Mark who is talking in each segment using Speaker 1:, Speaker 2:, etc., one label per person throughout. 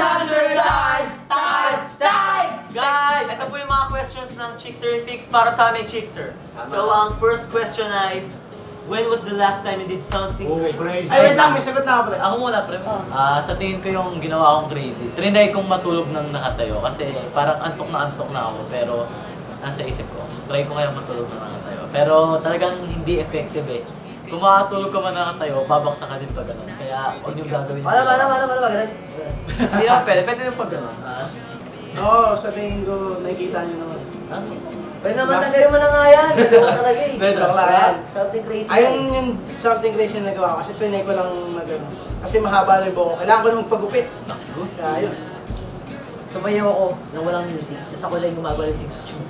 Speaker 1: answer time!
Speaker 2: Guys, ito po yung mga questions ng Chickser Fix para sa aming Chickser. So, ang first question ay, when was the last time you did something crazy?
Speaker 1: Ay, wait lang, may sagot na ako pre.
Speaker 3: Ako muna, pre. Sa tingin ko yung ginawa kong crazy. Trinay kong matulog ng nakatayo kasi parang antok na ako. Pero nasa isip ko, try ko kaya matulog ng nakatayo. Pero talagang hindi effective eh. Kung makatulog ka man nakatayo, babaksa ka din pa ganun. Kaya huwag niyong gagawin.
Speaker 4: Wala.
Speaker 3: Hindi naman pwede din pa ganun.
Speaker 1: Oo, sa tingin ko, nakikita niyo naman.
Speaker 4: Pwede naman tanggalin mo na nga yan. Gagawa talaga eh.
Speaker 1: Joke lang yan.
Speaker 4: Something crazy.
Speaker 1: Ayun yung something crazy na nagawa ko kasi trinay ko lang magano. Kasi mahaba na yung buhok ko. Kailangan ko na magpagupit. Kaya yun.
Speaker 4: Sumayaw ako nang walang music. Tapos ako lang gumagawa yung music.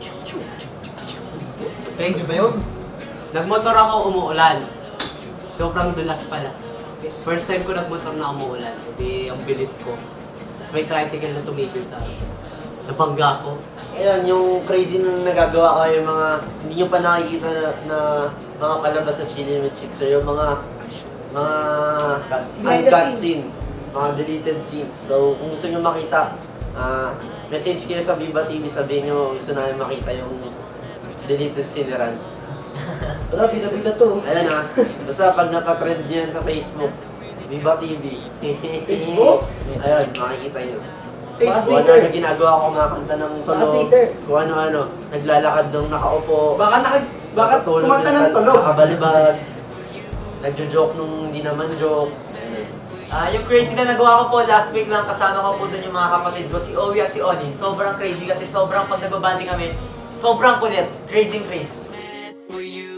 Speaker 5: Crazy ba yun? Nagmotor ako, umuulan. Sobrang dulas pala. First time ko nagmotor na umuulan. Hindi ang bilis ko. May tricycle na tumigil sa nabangga ko.
Speaker 6: Ayun, yung crazy na nagagawa ko yung mga hindi nyo pa nakikita na mga palabas sa Chili with Chickser, yung mga uncut scene, mga deleted scenes. So, kung gusto nyo makita, message kayo sa Viva TV, sabihin nyo gusto namin makita yung deleted scene ni Rans.
Speaker 4: Wala, pila-pila to.
Speaker 6: Ayun ha, basta pag nakatrend nyo yan sa Facebook, Viva TV.
Speaker 1: Facebook?
Speaker 6: Ayun, makikita nyo.
Speaker 1: Facebook.
Speaker 6: Kung ano ginagawa ko, kumakanta ng tulog,
Speaker 4: Twitter.
Speaker 6: kung ano-ano, naglalakad ng nakaupo,
Speaker 1: Baka kumanta ng tulog.
Speaker 6: nakabalibag, nagjo-joke nung hindi naman jokes.
Speaker 2: Yung crazy na nagawa ko po last week lang, kasama ko po doon yung mga kapatid ko, si Owie at si Oni. Sobrang crazy kasi sobrang pag nagbabanding kami, sobrang kulit. Crazy.
Speaker 7: For you